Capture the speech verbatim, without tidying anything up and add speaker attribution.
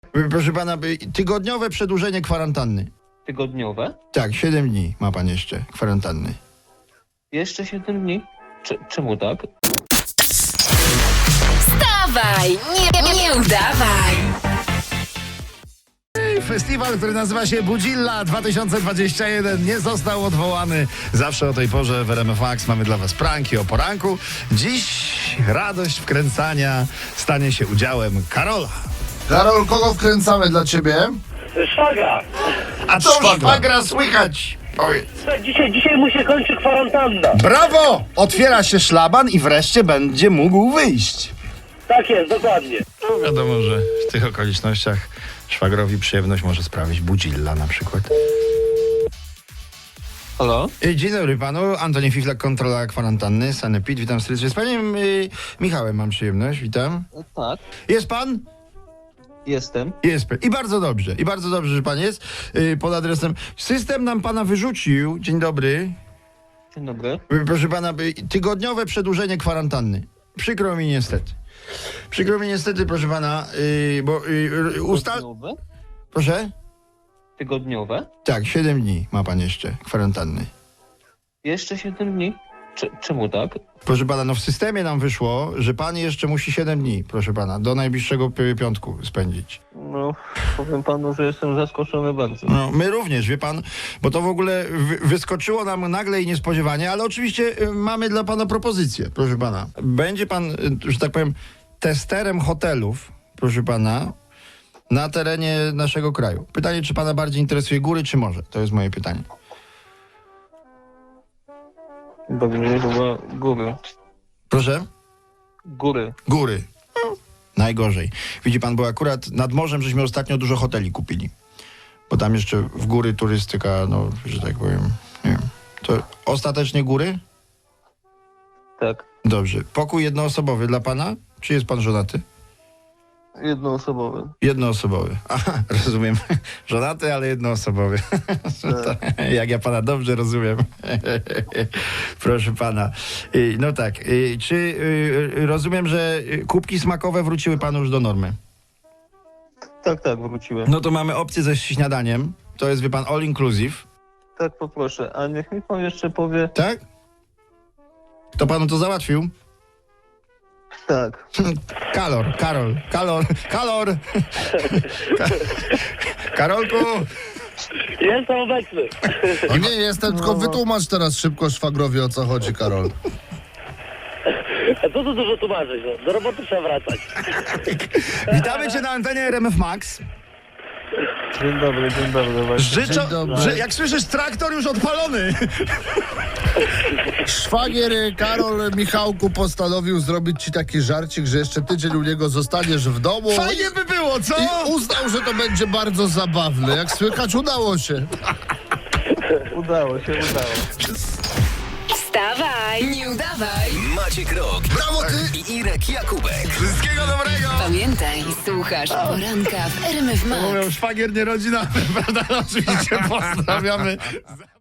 Speaker 1: Proszę pana, tygodniowe przedłużenie kwarantanny.
Speaker 2: Tygodniowe?
Speaker 1: Tak, siedem dni ma pan jeszcze kwarantanny.
Speaker 2: Jeszcze siedem dni? Cze- czemu tak?
Speaker 3: Wstawaj, nie, nie udawaj.
Speaker 1: Festiwal, który nazywa się Budzilla dwa tysiące dwudziesty pierwszy nie został odwołany. Zawsze o tej porze w R M F Max mamy dla was pranki o poranku. Dziś radość wkręcania stanie się udziałem Karola.
Speaker 4: Karol, kogo wkręcamy dla ciebie?
Speaker 5: Szwagra!
Speaker 1: A co szwagra, szwagra słychać? Powiedz.
Speaker 5: Dzisiaj, dzisiaj mu się kończy kwarantanna.
Speaker 1: Brawo! Otwiera się szlaban i wreszcie będzie mógł wyjść.
Speaker 5: Tak jest, dokładnie.
Speaker 1: No wiadomo, że w tych okolicznościach szwagrowi przyjemność może sprawić Budzilla na przykład.
Speaker 2: Halo?
Speaker 1: Dzień dobry panu, Antoni Fiflak, kontrola kwarantanny, Sanepid, witam serdecznie. Z panem y, Michałem mam przyjemność, witam.
Speaker 2: Tak,
Speaker 1: Jest pan?
Speaker 2: jestem.
Speaker 1: Jest pan. I bardzo dobrze, i bardzo dobrze, że pan jest y, pod adresem. System nam pana wyrzucił, dzień dobry.
Speaker 2: Dzień dobry.
Speaker 1: Y, Proszę pana, y, tygodniowe przedłużenie kwarantanny. Przykro mi niestety. Przykro mi niestety, proszę pana, y, bo y, ustal...
Speaker 2: Tygodniowe?
Speaker 1: Proszę?
Speaker 2: Tygodniowe?
Speaker 1: Tak, siedem dni ma pan jeszcze kwarantanny.
Speaker 2: Jeszcze siedem dni? Cze- czemu tak?
Speaker 1: Proszę pana, no w systemie nam wyszło, że pan jeszcze musi siedem dni, proszę pana, do najbliższego pi- piątku spędzić.
Speaker 2: No, powiem panu, że jestem zaskoczony bardzo.
Speaker 1: No, my również, wie pan, bo to w ogóle wy- wyskoczyło nam nagle i niespodziewanie, ale oczywiście y, mamy dla pana propozycję, proszę pana. Będzie pan, y, że tak powiem, testerem hotelów, proszę pana, na terenie naszego kraju. Pytanie, czy pana bardziej interesuje góry, czy morze? To jest moje pytanie.
Speaker 2: Dobrze, chyba góry.
Speaker 1: Proszę?
Speaker 2: Góry.
Speaker 1: Góry. No, najgorzej. Widzi pan, bo akurat nad morzem żeśmy ostatnio dużo hoteli kupili. Bo tam jeszcze w góry turystyka, no, że tak powiem, nie wiem. To ostatecznie góry?
Speaker 2: Tak.
Speaker 1: Dobrze. Pokój jednoosobowy dla pana? Czy jest pan żonaty?
Speaker 2: Jednoosobowy.
Speaker 1: Jednoosobowy. Aha, rozumiem. Żonaty, ale jednoosobowy. Jak ja pana dobrze rozumiem. Proszę pana. Y, No tak. y, Czy y, rozumiem, że y, kubki smakowe wróciły panu już do normy?
Speaker 2: Tak, tak, wróciłem.
Speaker 1: No to mamy opcję ze śniadaniem. To jest, wie pan, all inclusive.
Speaker 2: Tak, poproszę. A niech mi pan jeszcze powie...
Speaker 1: Tak? Kto panu to załatwił?
Speaker 2: Tak.
Speaker 1: Kalor, Karol, Kalor, Kalor! Ka- Karolku!
Speaker 5: Jestem obecny.
Speaker 4: No nie jestem, tylko wytłumacz teraz szybko szwagrowi, o co chodzi, Karol.
Speaker 5: A co tu dużo tłumaczyć? No? Do roboty trzeba wracać.
Speaker 1: Witamy cię na antenie R M F Max.
Speaker 2: Dzień dobry, dzień dobry. Właśnie.
Speaker 1: Życzę,
Speaker 4: Dzień dobry.
Speaker 1: że jak słyszysz, traktor już odpalony.
Speaker 4: Szwagier Karol Michałku postanowił zrobić ci taki żarcik, że jeszcze tydzień u niego zostaniesz w domu.
Speaker 1: Fajnie by było, co?
Speaker 4: I uznał, że to będzie bardzo zabawne. Jak słychać, udało się.
Speaker 2: Udało się, udało.
Speaker 3: Wstawaj, nie udawaj.
Speaker 6: Maciek Rok
Speaker 4: Brawo ty!
Speaker 6: i Irek Jakubek.
Speaker 1: Wszystkiego dobrego.
Speaker 3: Pamiętaj, słuchasz poranka w R M F Max.
Speaker 1: Mówią, szwagier nie rodzina, prawda? Oczywiście pozdrawiamy.